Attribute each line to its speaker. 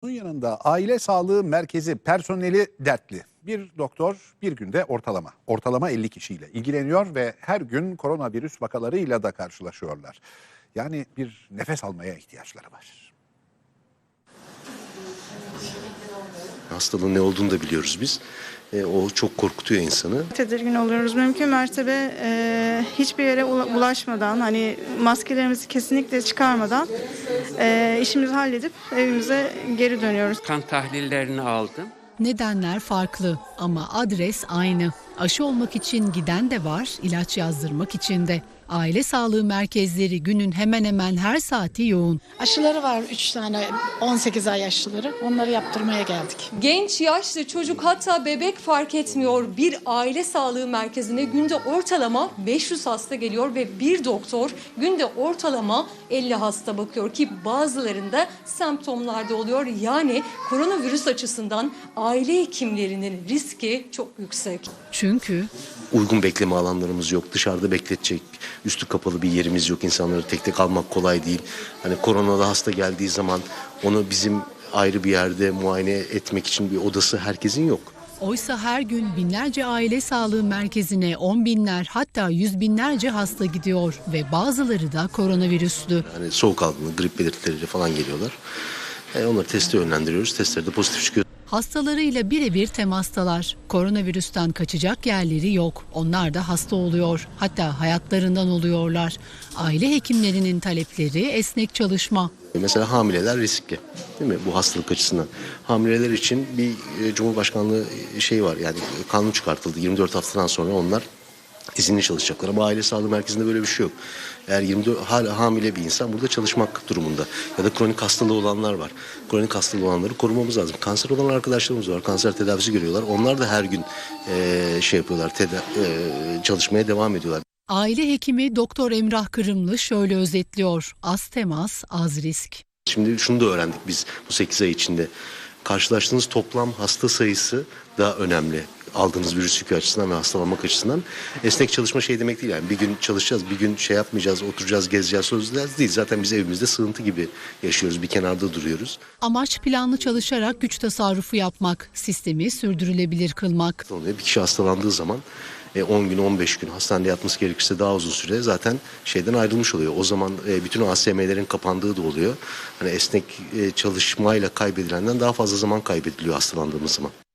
Speaker 1: Bunun yanında aile sağlığı merkezi personeli dertli. Bir doktor bir günde ortalama 50 kişiyle ilgileniyor ve her gün koronavirüs vakalarıyla da karşılaşıyorlar. Yani bir nefes almaya ihtiyaçları var.
Speaker 2: Hastalığın ne olduğunu da biliyoruz biz. O çok korkutuyor insanı.
Speaker 3: Tedirgin oluyoruz. Mümkün mertebe hiçbir yere bulaşmadan, hani maskelerimizi kesinlikle çıkarmadan işimizi halledip evimize geri dönüyoruz.
Speaker 4: Kan tahlillerini aldım.
Speaker 5: Nedenler farklı ama adres aynı. Aşı olmak için giden de var, ilaç yazdırmak için de. Aile sağlığı merkezleri günün hemen hemen her saati yoğun.
Speaker 6: Aşıları var 3 tane 18 ay aşıları. Onları yaptırmaya geldik.
Speaker 7: Genç, yaşlı, çocuk hatta bebek fark etmiyor. Bir aile sağlığı merkezine günde ortalama 500 hasta geliyor ve bir doktor günde ortalama 50 hasta bakıyor ki bazılarında semptomlarda oluyor. Yani koronavirüs açısından aile hekimlerinin riski çok yüksek.
Speaker 5: Çünkü
Speaker 2: Uygun bekleme alanlarımız yok. Dışarıda bekletecek üstü kapalı bir yerimiz yok. İnsanları tek tek almak kolay değil. Hani koronalı hasta geldiği zaman onu bizim ayrı bir yerde muayene etmek için bir odası herkesin yok.
Speaker 5: oysa her gün binlerce aile sağlığı merkezine 10 binler hatta 100 binlerce hasta gidiyor ve bazıları da koronavirüslü.
Speaker 2: Hani soğuk algınlığı, grip belirtileriyle falan geliyorlar. Onları teste yönlendiriyoruz. Testleri de pozitif çıkıyor.
Speaker 5: Hastalarıyla birebir temastalar. Koronavirüsten kaçacak yerleri yok. Onlar da hasta oluyor. Hatta hayatlarından oluyorlar. Aile hekimlerinin talepleri esnek çalışma.
Speaker 2: Mesela hamileler riskli, değil mi bu hastalık açısından? Hamileler için bir Cumhurbaşkanlığı şey var, yani kanun çıkartıldı. 24 haftadan sonra onlar izinli çalışacaklar ama aile sağlığı merkezinde böyle bir şey yok. Eğer 24 hala hamile bir insan burada çalışmak durumunda ya da kronik hastalığı olanlar var. Kronik hastalığı olanları korumamız lazım. Kanser olan arkadaşlarımız var. Kanser tedavisi görüyorlar. Onlar da her gün şey yapıyorlar, çalışmaya devam ediyorlar.
Speaker 5: Aile hekimi Doktor Emrah Kırımlı şöyle özetliyor. Az temas, az risk.
Speaker 2: Şimdi şunu da öğrendik biz bu 8 ay içinde. Karşılaştığınız toplam hasta sayısı daha önemli. Aldığınız virüs yükü açısından ve hastalanmak açısından. Esnek çalışma şey demek değil yani. Bir gün çalışacağız, bir gün şey yapmayacağız, oturacağız, gezeceğiz, sözleyeceğiz değil. Zaten biz evimizde sığıntı gibi yaşıyoruz, bir kenarda duruyoruz.
Speaker 5: Amaç planlı çalışarak güç tasarrufu yapmak, sistemi sürdürülebilir kılmak.
Speaker 2: Bir kişi hastalandığı zaman 10 gün, 15 gün hastanede yatması gerekirse daha uzun süre zaten şeyden ayrılmış oluyor. O zaman bütün ASM'lerin kapandığı da oluyor. Hani esnek çalışmayla kaybedilenden daha fazla zaman kaybediliyor hastalandığımız zaman.